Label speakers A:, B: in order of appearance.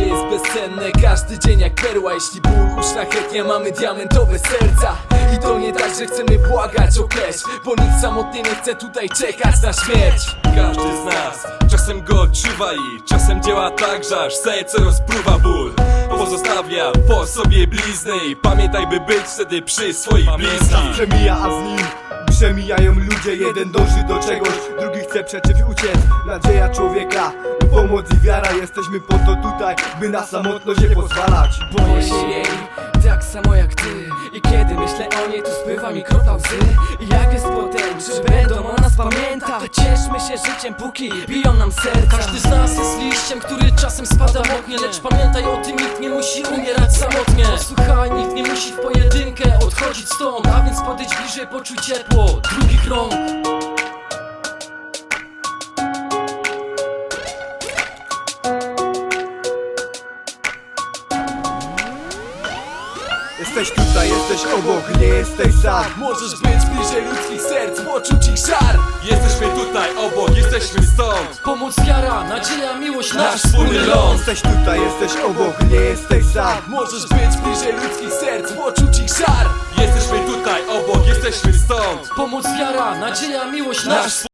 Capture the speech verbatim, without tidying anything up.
A: jest bezcenne, każdy dzień jak perła. Jeśli ból uszlachetnia, mamy diamentowe serca. I to nie tak, że chcemy błagać o cash, bo nikt samotnie nie chce tutaj czekać na śmierć.
B: Każdy z nas czasem go odczuwa i czasem działa tak, że aż serce rozpruwa ból. Pozostawia po sobie blizny i pamiętaj, by być wtedy przy swoich bliskich.
C: Przemija, a z nim przemijają ludzie. Jeden dąży do czegoś, drugi chce przeciw uciec. Nadzieja człowieka, pomoc i wiara. Jesteśmy po to tutaj, by na samotność nie pozwalać.
A: Boję się jej, tak samo jak ty. I kiedy myślę o niej, to spływa mi kropla łzy. I jak jest potem, czy będą o nas pamiętać? Cieszmy się życiem, póki biją nam serca.
D: Każdy z nas jest liściem, który czasem spada moknie. Lecz pamiętaj o tym, nikt nie musi umierać samotnie. Posłuchaj, nikt nie musi w pojedynkę odchodzić stąd. A więc podejdź bliżej, poczuj ciepło drugich rąk.
C: Jesteś tutaj, jesteś obok, nie jesteś sam.
A: Możesz być bliżej ludzkich serc, poczuć ich żar.
B: Jesteśmy tutaj obok, jesteśmy stąd.
D: Pomoc, wiara, nadzieja, miłość, nasz
B: Nasz
D: wspólny
B: wspólny
D: ląd.
C: Jesteś tutaj, jesteś obok, nie jesteś sam.
A: Możesz być bliżej ludzkich serc, poczuć ich żar.
B: Jesteśmy tutaj obok, jesteśmy stąd.
D: Pomoc, wiara, nadzieja, miłość, nasz